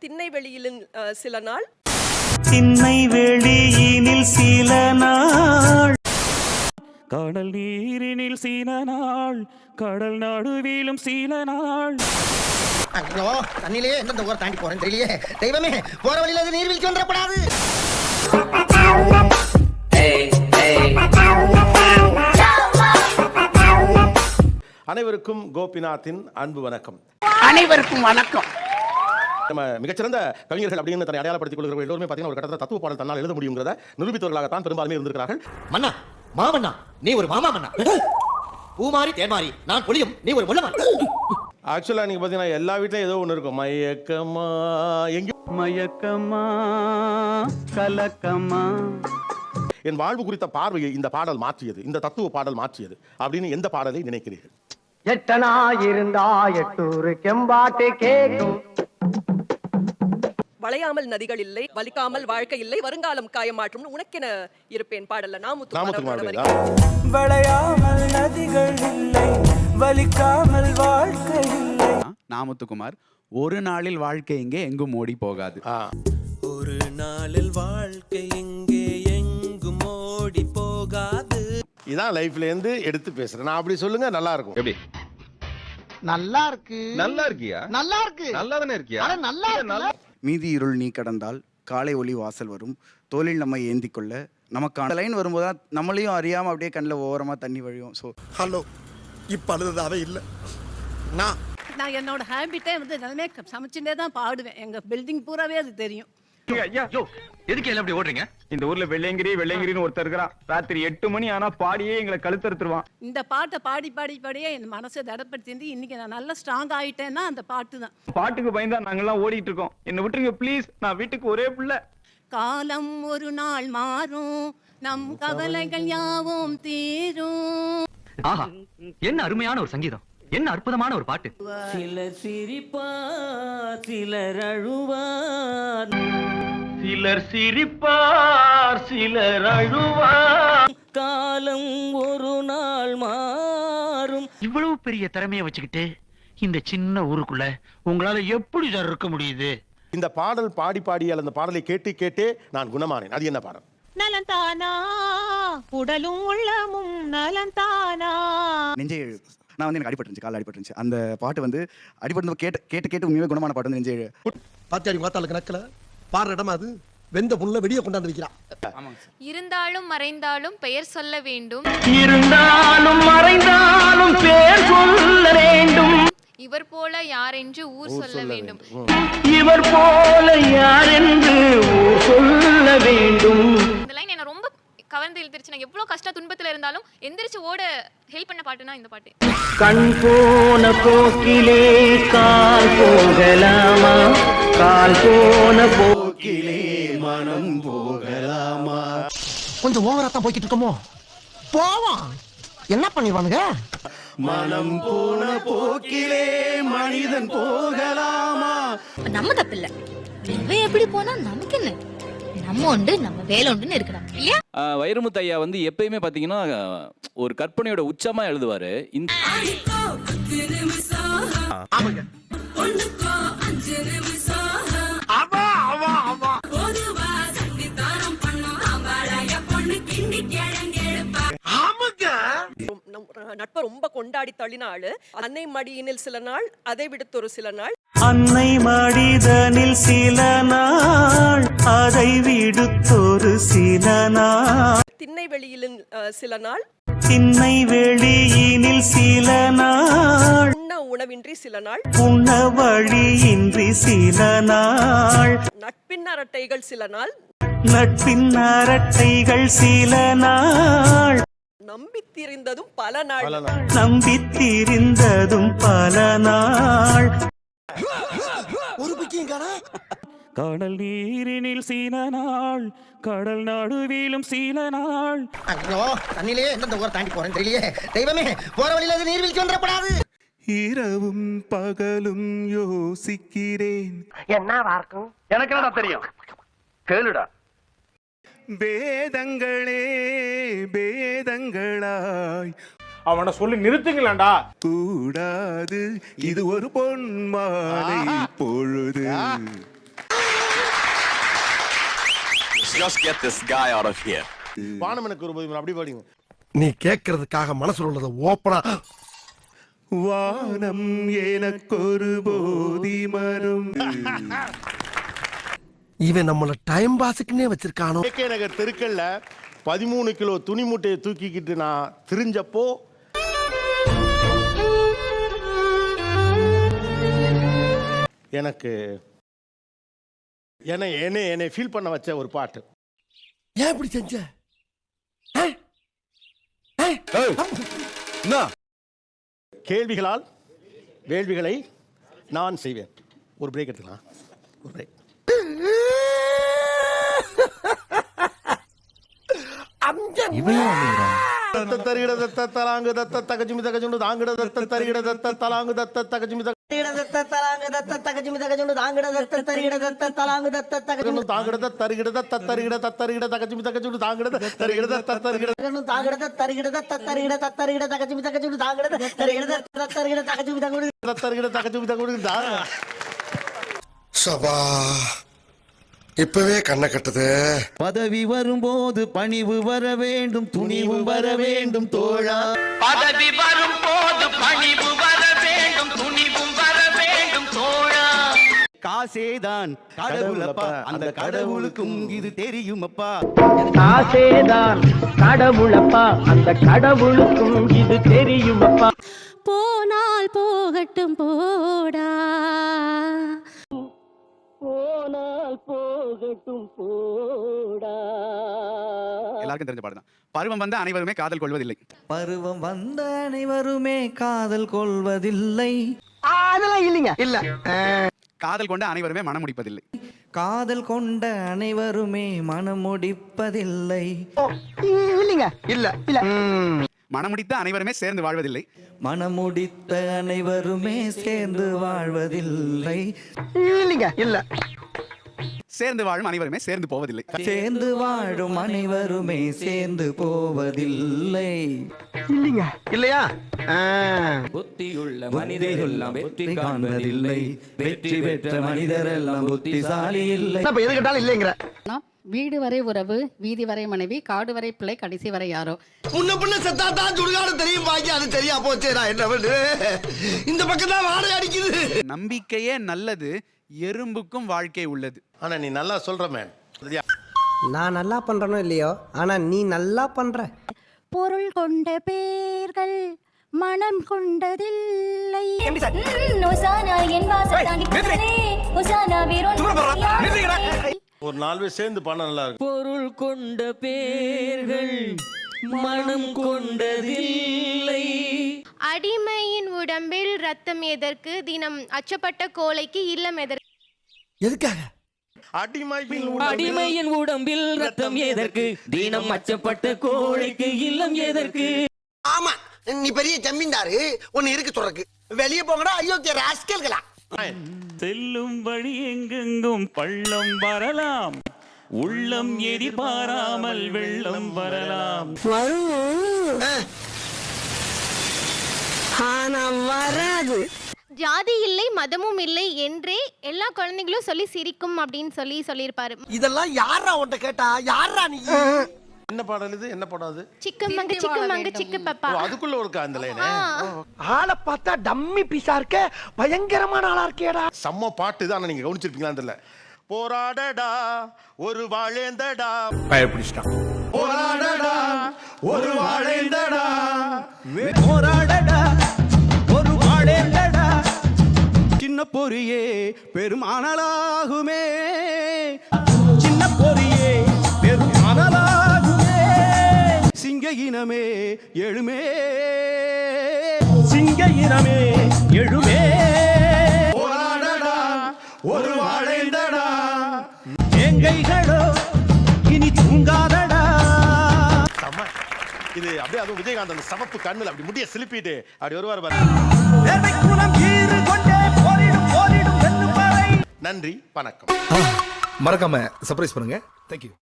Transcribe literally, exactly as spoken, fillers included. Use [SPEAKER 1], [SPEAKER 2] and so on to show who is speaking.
[SPEAKER 1] திண்ணை வெளியில் சில நாள்
[SPEAKER 2] திண்ணை வெளியினில் சில நாள் கடல் நீரினில் சில நாள் கடல் நடுவிலும் சில நாள்.
[SPEAKER 3] ஐயோ தண்ணிலே எந்த ஊரை தாண்டி போறேன் தெரியலையே. தெய்வமே, போற வழியில அது நீர்வீழ்ச்சி வந்துடக்கூடாது.
[SPEAKER 4] அனைவருக்கும் கோபிநாத்தின் அன்பு வணக்கம்.
[SPEAKER 3] அனைவருக்கும் வணக்கம்.
[SPEAKER 4] நம்ம மிகச்சிறந்த கவிஞர்கள் அப்படின்னு தன்னை அடையாளப்படுத்திக் கொள்கிறவர்கள் எல்லோருமே பார்த்தீங்கன்னா ஒரு கட்டத்தில் தத்துவ பாடல் தன்னால் எழுத முடியுங்கிறத நிரூபித்தவர்களாகத்தான் பெரும்பாலுமே இருந்திருக்கிறார்கள்.
[SPEAKER 3] மன்னா, மாமன்னா, நீ ஒரு மாமா மன்னா. பூமாரி தேன்மாரி, நான் புளியும், நீ ஒரு முள்ளமா.
[SPEAKER 4] ஆக்சுவலா நீங்க பாத்தீங்கன்னா எல்லா வீட்லயும் ஏதோ ஒண்ணு இருக்கும். மயக்கமா எங்க
[SPEAKER 2] மயக்கமா கலக்கமா.
[SPEAKER 4] என் வாழ்வு குறித்த பார்வையை இந்த பாடல் மாற்றியது, இந்த தத்துவ பாடல் மாற்றியது அப்படின்னு எந்த பாடலை நினைக்கிறீர்கள்?
[SPEAKER 5] எட்டனா இருந்தா எட்டூரு கெம்பாட்டு கேக்கும்.
[SPEAKER 1] வளையாமல் நதிகள் இல்லை, வலிக்காமல் வாழ்க்கை இல்லை, வருங்காலம் காயமாற்றும் உனக்கென இருப்பேன் பாடல்ல நாமுத்துக்குமார்.
[SPEAKER 2] வளையாமல் நதிகள் இல்லை, வலிக்காமல் வாழ்க்கை இல்லை.
[SPEAKER 6] நாமுத்துக்குமார். ஒரு நாளில் வாழ்க்கை எங்கே எங்கும் ஓடி போகாது.
[SPEAKER 7] ஒரு நாளில் வாழ்க்கை எங்கே எங்கும் ஓடி போகாது.
[SPEAKER 4] இதான் லைஃப்ல இருந்து எடுத்து பேசுறேன் நான். அப்படி சொல்லுங்க, நல்லா இருக்கும். எப்படி
[SPEAKER 3] நல்லா இருக்கு?
[SPEAKER 4] நல்லா இருக்கியா?
[SPEAKER 3] நல்லா இருக்கு.
[SPEAKER 4] நல்லா தானே இருக்கியா?
[SPEAKER 3] அட நல்லா இருக்கு.
[SPEAKER 6] மீதி இருள் நீ கடந்தால் காலை ஒளி வாசல் வரும், தோளில் நம்ம ஏந்தி கொள்ள நமக்கான லைன் வரும்போது நம்மளையும் அறியாம அப்படியே கண்ணில் ஓரமா தண்ணி வழியும். ஸோ
[SPEAKER 3] ஹலோ, இப்ப அழுதாவே இல்லை. நான்
[SPEAKER 8] நான் என்னோட ஹேபிட்டே வந்து எல்லாமே சமைச்சுட்டே தான் பாடுவேன். எங்க பில்டிங் பூராவே அது தெரியும்.
[SPEAKER 9] எதுக்கு எல்லாம் அப்படி ஓடுறீங்க? இந்த ஊர்ல வெள்ளையங்கிரி வெள்ளையங்கிரின்னு ஒருத்தர் இருக்கிறான். ராத்திரி எட்டு மணி ஆனா பாடியே எங்களை கழுத்தறுத்துருவான்.
[SPEAKER 8] இந்த பாட்டை பாடி பாடி பாடியே என் மனசை தடப்படுத்தி இன்னைக்கு நான் நல்லா ஸ்ட்ராங் ஆயிட்டேன்னா அந்த பாட்டு தான்.
[SPEAKER 9] பாட்டுக்கு பயந்தா நாங்கெல்லாம் ஓடிட்டு இருக்கோம். என்ன விட்டுருங்க ப்ளீஸ். நான் வீட்டுக்கு ஒரே பிள்ளை.
[SPEAKER 8] காலம் ஒரு நாள் மாறும், நம் கவலைகள் யாவும் தீரும்.
[SPEAKER 9] ஆஹா, என்ன அருமையான ஒரு சங்கீதம், என்ன அற்புதமான ஒரு பாட்டு.
[SPEAKER 2] சிலர் சிரிப்பார், சிலர் அழுவார்,
[SPEAKER 9] சிலர் சிரிப்பார், சிலர் அழுவார்.
[SPEAKER 2] காலம் ஒரு நாள் மாறும்.
[SPEAKER 10] இவ்வளவு பெரிய திறமையை வச்சுக்கிட்டு இந்த சின்ன ஊருக்குள்ள உங்களால எப்படி சார் இருக்க முடியுது?
[SPEAKER 4] இந்த பாடல் பாடி பாடி அந்த பாடலை கேட்டு கேட்டே நான் குணமானேன். அது என்ன பாடல்?
[SPEAKER 8] நலந்தானா உடலும் உள்ளமும் நலந்தானா.
[SPEAKER 6] நெஞ்சை எழு. நான் வந்து எனக்கு அடிபட்டுருந்துச்சு, கால் அடிபட்டுருந்துச்சு. அந்த பாட்டு வந்து அடிபட்டு கேட்டு கேட்டு கேட்டு உண்மையாக குணமான பாட்டு வந்து நெஞ்சை எழு.
[SPEAKER 3] பாத்தியாடி மாத்தாளுக்கு நக்கல பாடுற இடமா அது. வெந்த புல்ல வெடிய கொண்டாந்து வைக்கிறான்.
[SPEAKER 11] இருந்தாலும் மறைந்தாலும் பெயர் சொல்ல வேண்டும்,
[SPEAKER 9] இருந்தாலும் மறைந்தாலும் பேர் சொல்ல வேண்டும்.
[SPEAKER 11] இவர் போல யார் என்று ஊர் சொல்ல வேண்டும்,
[SPEAKER 9] இவர் போல யார் என்று ஊர் சொல்ல வேண்டும்.
[SPEAKER 11] இந்த லைன் என்ன ரொம்ப கவர்ந்து இழுத்துருச்சு. நான் எவ்வளவு கஷ்ட துன்பத்துல இருந்தாலும் எந்திரிச்சு ஓட ஹெல்ப் பண்ண பாட்டுனா இந்த பாட்டு.
[SPEAKER 2] கண் போன போக்கிலே கால் போகலாமா, கால் போன போக்கிலே மனம் போகலாமா.
[SPEAKER 3] கொஞ்சம் ஓவரா தான் போய்கிட்டு இருக்கோமோ. போவோம், என்ன பண்ணிடுவானுங்க.
[SPEAKER 2] மனம் போன போக்கிலே மனிதன் போகலாமா.
[SPEAKER 11] நம்ம தப்பில்ல, இவன் எப்படி போனா நமக்கு என்ன, நம்ம உண்டு நம்ம வேலை உண்டுன்னு இருக்கிறான் இல்லையா?
[SPEAKER 10] வைரமுத்து ஐயா வந்து எப்பயுமே பாத்தீங்கன்னா ஒரு கற்பனையோட உச்சமா எழுதுவாரு. இந்த
[SPEAKER 1] நட்பை ரொம்ப கொண்டாடி தள்ளினாள். அன்னை மடியினில் சில நாள், அதை விடுத்தொரு சில நாள்.
[SPEAKER 2] அன்னை மடிதனில் சில நாள், அதை விடுத்தொரு சில நாள்.
[SPEAKER 1] திண்ணை வெளியில் சில நாள்,
[SPEAKER 2] திண்ணை வெளியினில் சில நாள்.
[SPEAKER 1] உண்ண உணவின்றி சில நாள்,
[SPEAKER 2] உண்ண வழியின்றி சில நாள்.
[SPEAKER 1] நட்பின் அரட்டைகள் சில நாள்,
[SPEAKER 2] நட்பின் அரட்டைகள் சில நாள்.
[SPEAKER 1] நம்பித்திருந்ததும் பல நாள்,
[SPEAKER 2] நம்பித்திருந்ததும் பல நாள்.
[SPEAKER 3] ஒரு பிக்கியும் காணா.
[SPEAKER 2] கடல் நீரினில் சில நாள் கடல் நடுவிலும் சில நாள்.
[SPEAKER 3] ஐயோ தண்ணிலே எந்த ஊரை தாண்டி போறேன் தெரியலையே. தெய்வமே, போற வழியில அது நீர்வீழ்ச்சி வந்துடக்கூடாது.
[SPEAKER 2] இரவும் பகலும் யோசிக்கிறேன்.
[SPEAKER 3] என்னவா இருக்கும்?
[SPEAKER 9] எனக்கு என்ன தெரியும், கேளுடா.
[SPEAKER 2] வேதங்களே வேதங்களாய்
[SPEAKER 9] அவனை சொல்லி நிறுத்துங்களேன்டா.
[SPEAKER 2] கூடாது, இது ஒரு பொன் மாலை பொழுது.
[SPEAKER 9] just get this guy out of here.
[SPEAKER 4] வானம் எனக்கு ஒரு போதும் அப்படி பாடிங்க.
[SPEAKER 3] நீ கேட்கறதுக்காக மனசுல உள்ளத ஓப்பனா
[SPEAKER 2] வானம் எனக்கொரு போதி மரம்.
[SPEAKER 3] இவன் நம்மள டைம் பாஸுக்குன்னே வச்சிருக்கானோ.
[SPEAKER 4] கே நகர் தெருக்கல்ல பதிமூணு கிலோ துணி மூட்டையை தூக்கிக்கிட்டு நான் திரிஞ்சப்போ எனக்கு என்னை என்னை என்னை ஃபீல் பண்ண வச்ச ஒரு பாட்டு.
[SPEAKER 3] ஏன் இப்படி செஞ்ச?
[SPEAKER 4] கேள்விகளால் வேள்விகளை நான் செய்வேன். ஒரு பிரேக் எடுத்துக்கலாம். ஒரு பிரேக். தத்த தரிகிட தத்த தலாங்கு தத்த தகஜுமி தகஜுண்டு தாங்கிட தத்த தரிகிட தத்த தலாங்கு தத்த தகஜுமி தத்த தலாங்கு தத்த தகஜுமி தகஜுண்டு தாங்கிட தத்த தரிகிட தத்த தலாங்கு தத்த தகஜுண்டு தாங்கிட தரிகிட தத்த தரிகிட தத்தரிகிட தகஜுமி தகஜுண்டு தாங்கிட தரிகிட தத்த தரிகிட தாங்கிட தரிகிட தத்த தரிகிட தத்தரிகிட தகஜுமி தகஜுண்டு தாங்கிட தரிகிட தத்தரிகிட தகஜுமி தகஜுண்டு தத்தரிகிட தகஜுமி தகஜுண்டு தாங்க.
[SPEAKER 3] சபா இப்பவே கண்ணை கட்டுது.
[SPEAKER 6] பதவி வரும்போது பணிவு வர வேண்டும், துணிவும் வர வேண்டும் தோழா.
[SPEAKER 10] பதவி வரும் போது பணிவு வர வேண்டும், துணிவும் வர வேண்டும் தோழா.
[SPEAKER 6] காசேதான் கடவுளப்பா, அந்த கடவுளுக்கும் இது தெரியுமப்பா.
[SPEAKER 5] காசேதான் கடவுளப்பா, அந்த கடவுளுக்கும் இது தெரியுமப்பா.
[SPEAKER 8] போனால் போகட்டும் போடா,
[SPEAKER 5] போனால் போகட்டும் போடா.
[SPEAKER 6] எல்லாருக்கும் தெரிஞ்ச பாடுதான். பருவம் வந்த அனைவருமே காதல் கொள்வதில்லை.
[SPEAKER 7] பருவம் வந்த அனைவருமே காதல் கொள்வதில்லை.
[SPEAKER 5] அதெல்லாம் இல்லைங்க. இல்ல
[SPEAKER 6] காதல் கொண்ட அனைவருமே மனம் முடிப்பதில்லை.
[SPEAKER 7] காதல் கொண்ட அனைவருமே மனம் முடிப்பதில்லை.
[SPEAKER 5] இல்லைங்க. இல்ல இல்ல
[SPEAKER 6] மனம் முடித்த அனைவருமே சேர்ந்து வாழ்வதில்லை.
[SPEAKER 7] மனம் முடித்த அனைவருமே சேர்ந்து வாழ்வதில்லை.
[SPEAKER 5] இல்லைங்க. இல்ல
[SPEAKER 6] சேர்ந்து வாழும் அனைவருமே சேர்ந்து போவதில்லை.
[SPEAKER 7] சேர்ந்து வாழும் அனைவருமே சேர்ந்து போவதில்லை.
[SPEAKER 5] இல்லைங்க. இல்லையா?
[SPEAKER 7] புத்தியுள்ள மனிதரெல்லாம் வெற்றி காண்பதில்லை. வெற்றி பெற்ற மனிதரெல்லாம் புத்திசாலி இல்லை.
[SPEAKER 5] இப்ப எது கேட்டாலும் இல்லைங்கிற.
[SPEAKER 8] வீடு வரை உறவு, வீதி வரை மனைவி, காடு வரை பிள்ளை, கடைசி வரை யாரோ.
[SPEAKER 3] முன்ன பின்ன செத்தா தான் சுடுகாடு தெரியும், பாக்கி அது தெரியா போச்சே. நான் என்ன பண்ணு, இந்த பக்கம் தான் வாடகை அடிக்குது.
[SPEAKER 6] நம்பிக்கையே நல்லது, எறும்புக்கும் வாழ்க்கை உள்ளது.
[SPEAKER 4] ஆனா நீ நல்லா சொல்ற மேன்.
[SPEAKER 5] நான் நல்லா பண்றனோ இல்லையோ, ஆனா நீ நல்லா பண்ற.
[SPEAKER 8] பொருள் கொண்ட பேர்கள் மனம் கொண்டதில்லை.
[SPEAKER 4] ஒரு நாலு பேர் சேர்ந்து பண்ண நல்லா இருக்கும்.
[SPEAKER 7] பொருள் கொண்ட பேர்கள் மனம் கொண்டதில்லை.
[SPEAKER 11] அடிமையின் உடம்பில் ரத்தம் எதற்கு, தினம் அச்சப்பட்ட கோழைக்கு இல்லம் எதற்கு?
[SPEAKER 3] எதுக்காக?
[SPEAKER 4] அடிமையின்
[SPEAKER 7] அடிமையின் உடம்பில் ரத்தம் எதற்கு, தினம் அச்சப்பட்ட கோழைக்கு இல்லம் எதற்கு?
[SPEAKER 3] ஆமா, நீ பெரிய ஜமீன்தாரு, ஒன்னு இருக்கு சொல்றக்கு. வெளியே போங்கடா அயோக்கிய ராஸ்கல்களா.
[SPEAKER 2] செல்லும் வழி எங்கெங்கும் பள்ளம் வரலாம், உள்ளம் எதிர்பாராமல் வெள்ளம் வரலாம்.
[SPEAKER 5] வராது.
[SPEAKER 11] ஜாதி இல்லை மதமும் இல்லை என்றே எல்லா குழந்தைகளும் சொல்லி சிரிக்கும் அப்படின்னு சொல்லி சொல்லியிருப்பாரு.
[SPEAKER 3] இதெல்லாம் யாரா உன்கிட்ட கேட்டா? யாரா நீ?
[SPEAKER 4] என்ன பாடல் இது? என்ன படம் அது?
[SPEAKER 11] சிக்கமங்க சிக்கமங்க சிக்கு பப்பா.
[SPEAKER 4] அதுக்குள்ள ஒரு அந்த லைன்.
[SPEAKER 5] ஆளை பார்த்தா டம்மி பீஸா இருக்க, பயங்கரமான ஆளா இருக்கேடா.
[SPEAKER 4] செம்ம பாட்டு இது. ஆனா நீங்க கவனிச்சிருப்பீங்களான்னு தெரியல. போராடடா ஒரு வாழேந்தடா,
[SPEAKER 3] பயப்பிடிச்சிட்டான்.
[SPEAKER 4] போராடடா ஒரு வாழேந்தடா,
[SPEAKER 6] போராடடா ஒரு வாழேண்டடா, சின்ன பொரியே பெருமானலாகுமே, சின்ன பொரியே பெருமானலாகுமே, சிங்க இனமே எழுமே, சிங்க இனமே எழுமே.
[SPEAKER 4] போராடடா ஒரு வாழேந்தடா,
[SPEAKER 6] எங்கைகளோ இனி தூங்காதடா.
[SPEAKER 4] இது அப்படியே அதுவும் விஜயகாந்த் அந்த சமப்பு கண்ணுல அப்படி முடிய சிலிப்பிட்டு அப்படி வருவார் பாரு. நன்றி, வணக்கம்.
[SPEAKER 3] மறக்காம சர்ப்ரைஸ் பண்ணுங்க. தேங்க்யூ.